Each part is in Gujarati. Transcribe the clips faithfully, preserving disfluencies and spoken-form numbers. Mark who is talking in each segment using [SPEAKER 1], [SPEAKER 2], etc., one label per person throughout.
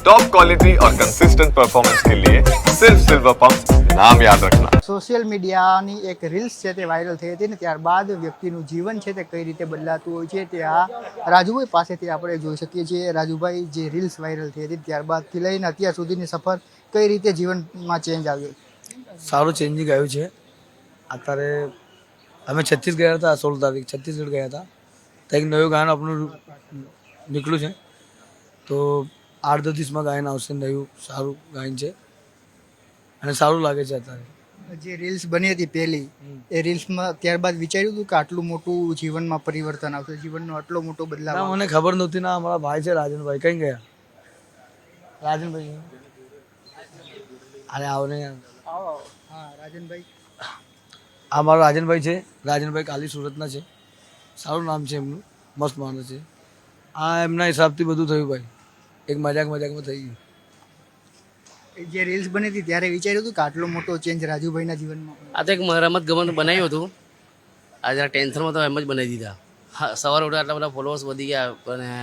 [SPEAKER 1] टॉप क्वालिटी और कंसिस्टेंट परफॉर्मेंस के लिए सिर्फ सिल्वर पंप नाम याद रखना।
[SPEAKER 2] સોશિયલ મીડિયાની એક રીલ્સ છે તે વાયરલ થઈ હતી ને ત્યારબાદ વ્યક્તિનું જીવન છે તે કઈ રીતે બદલાતું હોય છે તે આ રાજુભાઈ પાસેથી આપણે જોઈ શકીએ છીએ. રાજુભાઈ, જે રીલ્સ વાયરલ થઈ હતી ત્યારબાદથી લઈને અત્યાર સુધીની સફર કઈ રીતે જીવનમાં ચેન્જ આવ્યો?
[SPEAKER 3] સારું ચેન્જિંગ આવ્યું છે. અત્યારે અમે છત્તીસ ગયા હતા, સોળ તારીખ છત્તીસગઢ ગયા હતા. તો એક નવું ગાયન આપણું નીકળ્યું છે. તો આઠ દસ દિવસમાં ગાયન આવશે. નવું સારું ગાયન છે અને સારું લાગે છે. અત્યારે
[SPEAKER 2] જે રીલ્સ બની હતી પહેલી, એ રીલ્સમાં ત્યારબાદ વિચાર્યું હતું કે આટલું મોટું જીવનમાં પરિવર્તન આવશે, જીવનનો આટલો મોટો બદલાવ
[SPEAKER 3] ના,
[SPEAKER 2] આવશે?
[SPEAKER 3] મને ખબર નહોતી. ના, અમારા ભાઈ છે રાજનભાઈ. કઈ ગયા રાજનભાઈ? અરે આવો ને યાર.
[SPEAKER 2] હા, રાજનભાઈ.
[SPEAKER 3] આ મારો રાજનભાઈ છે. રાજનભાઈ કાલી સુરતના છે. સારું નામ છે એમનું, મસ્ત માણસ છે. આ એમના હિસાબથી બધું થયું ભાઈ. એક મજાક મજાકમાં થઈ ગયું.
[SPEAKER 2] જે રીલ્સ બની હતી ત્યારે વિચાર્યું હતું કે આટલો મોટો ચેન્જ રાજુભાઈના જીવનમાં?
[SPEAKER 4] આ તો એક રમત ગમત બનાવ્યું હતું. આ જરા ટેન્શનમાં તો એમ જ બનાવી દીધા. હા, સવારે ઉઠ્યા આટલા બધા ફોલોઅર્સ વધી ગયા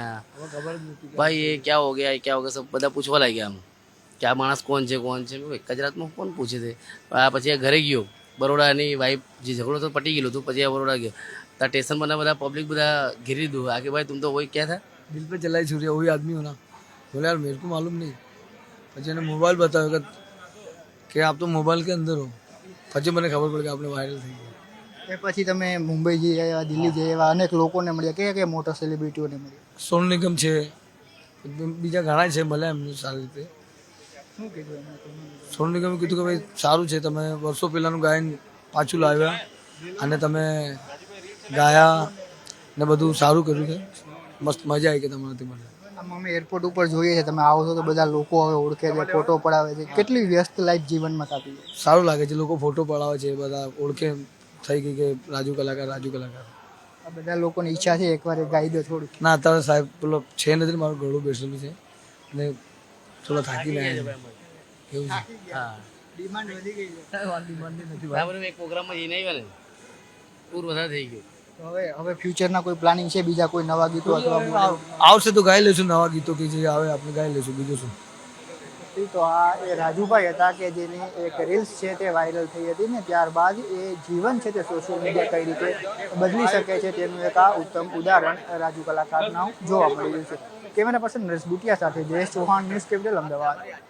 [SPEAKER 4] પણ ભાઈ એ ક્યાં હો ગયા, એ ક્યાં હો ગયા, સબ બધા પૂછવા લાગ્યા આમ કે આ માણસ કોણ છે કોણ છે. એક જ રાતમાં કોણ પૂછે છે. આ પછી આ ઘરે ગયો, બરોડાની વાઈફ જે ઝઘડો તો પટી ગયેલું હતું. પછી આ બરોડા ગયો ત્યાં સ્ટેશન પર બધા પબ્લિક બધા ઘેરી દીધું. આ કે ભાઈ તુમ તો વही क्या था,
[SPEAKER 3] દિલ पे चलाई छुरी वही आदमी हो ना. बोले यार मेरे को मालूम नहीं. પછી એને મોબાઈલ બતાવ્યો કે કે આપ તો મોબાઈલ કે અંદર હો. પછી મને ખબર પડી કે આપણે વાયરલ થઈ ગયા.
[SPEAKER 2] એ પછી તમે મુંબઈ જઈ આવ્યા, દિલ્હી જઈ આવ્યા, અનેક લોકોને મળ્યા, કયા કયા મોટા સેલિબ્રિટીઓને મળ્યા?
[SPEAKER 3] સોનુ નિગમ છે, બીજા ઘણા છે, મળ્યા એમને સારી રીતે.
[SPEAKER 2] શું કીધું એમને તમને?
[SPEAKER 3] સોનુ નિગમે કીધું કે ભાઈ સારું છે, તમે વર્ષો પહેલાંનું ગાયન પાછું લાવ્યા અને તમે ગાયા ને બધું સારું કર્યું છે. મસ્ત મજા આવી કે તમારાથી મને.
[SPEAKER 2] આમ અમે એરપોર્ટ ઉપર જોઈએ છે, તમે આવો છો તો બધા લોકો હવે ઓળખે છે, ફોટો પડાવે છે. કેટલી વ્યસ્ત લાઈફ જીવનમાં થતી છે?
[SPEAKER 3] સારું લાગે છે. લોકો ફોટો પડાવે છે, બધા ઓળખે થઈ ગઈ કે રાજુ કલાકાર રાજુ કલાકાર.
[SPEAKER 2] આ બધા લોકોની ઈચ્છા છે એકવાર એ ગાઈ દો થોડું.
[SPEAKER 3] ના, અત્યારે સાહેબ પેલો છે નથી, મારું ગળું બેસેલું છે અને થોડો થાકીને આવ્યા છે. એવું છે.
[SPEAKER 4] હા
[SPEAKER 2] ડિમાન્ડ વધી ગઈ છે.
[SPEAKER 3] ડિમાન્ડ નથી
[SPEAKER 4] બરાબર. એક પ્રોગ્રામમાં જઈને આવ્યા ને પૂર વધારે થઈ ગયું.
[SPEAKER 2] તો હવે હવે ફ્યુચરના કોઈ પ્લાનિંગ છે બીજા કોઈ નવા ગીતો અથવા
[SPEAKER 3] ભાઈ. આવશે તો ગાઈ લેશું નવા ગીતો કે જે આવે આપણે ગાઈ લેશું. બીજું શું.
[SPEAKER 2] તો આ એ રાજુભાઈ હતા કે જેની એક રીલ્સ છે તે વાયરલ થઈ હતી ને ત્યારબાદ એ જીવન છે તે સોશિયલ મીડિયા કઈ રીતે બદલી શકે છે તેનું એક આ ઉત્તમ ઉદાહરણ રાજુ કલાકારના જોવા મળી રહ્યું છે. કેમેરા પર્સન નરેશ બુટિયા સાથે જયેશ ચૌહાણ, ન્યૂઝ કેપિટલ, અમદાવાદ.